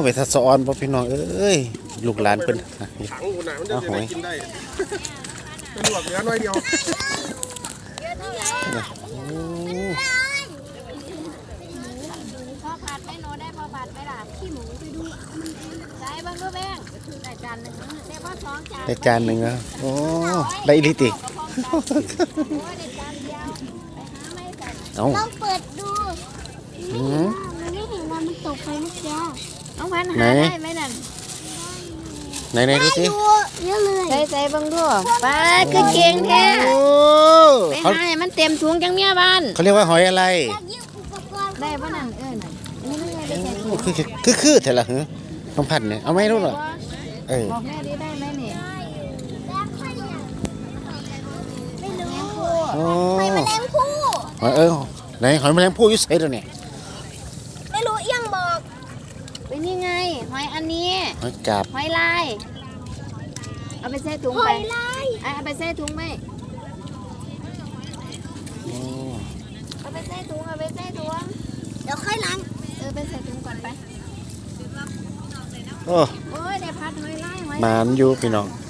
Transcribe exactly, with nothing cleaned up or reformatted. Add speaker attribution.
Speaker 1: ไปทัศออนบ่พี่น้องเอ้ยลูกหลานเพิ่น
Speaker 2: ถังกูน่ะมันจะได้กินได้เป็นหลวกเหลือน้อยเดียว
Speaker 3: พอผัดไม่โนได้พอผัดไม่ล่ะขี้หมูไปดูใส่บ้างก็แบงได้จานหนึ่งได้พอสองจาน
Speaker 1: ได้จานหนึ่งอ่ะโอ้ได้อีหลีติเอา
Speaker 3: ลองเปิดดู
Speaker 1: อืม
Speaker 3: มันไม่เห็นว่ามันตกไปเมื่อกี้น้องพันหาได้ไหมนั่น
Speaker 1: ไหนไหนดูสิ
Speaker 3: เยอะเลยใส่ใส่บ้างด้วยป้าคือเก่งแท้
Speaker 1: โอ้
Speaker 3: ไป
Speaker 1: เขา
Speaker 3: หามันเต็มถุงจังเมียบ้าน
Speaker 1: เขาเรียกว่าหอยอะไร
Speaker 3: ได้ป่ะนั่นเออนี่ไม่ได้ใส่ถุง
Speaker 1: คือคือคือแต่ละหือต้องพันเนี่ยเอาไหมรู้หรอเออ
Speaker 3: บอกแม่ดิได้ไหมเนี่ยไม่รู้
Speaker 1: โอ้
Speaker 3: หอยแมลงภู่
Speaker 1: หอยเออไหนหอยแมลงภู่อยุ่ใส่ตัวเนี่ย
Speaker 3: ไม่รู้เอียงบอกเป็นยังไงหอยอันนี้
Speaker 1: หอยกาบ
Speaker 3: หอยลายเอาไปใส่ถุงไปหอยลายเอาไปใส่ถุงไหม
Speaker 1: โอ้
Speaker 3: เอาไปใส่ถุงเอาไปใส่ถุงเดี๋ยวค่อยล้างเออไปใส่ถุงก่อนไป
Speaker 1: โอ้
Speaker 3: โอ้ยได้พัดหอยลายหอย
Speaker 1: หมานอยู่พี่น้อง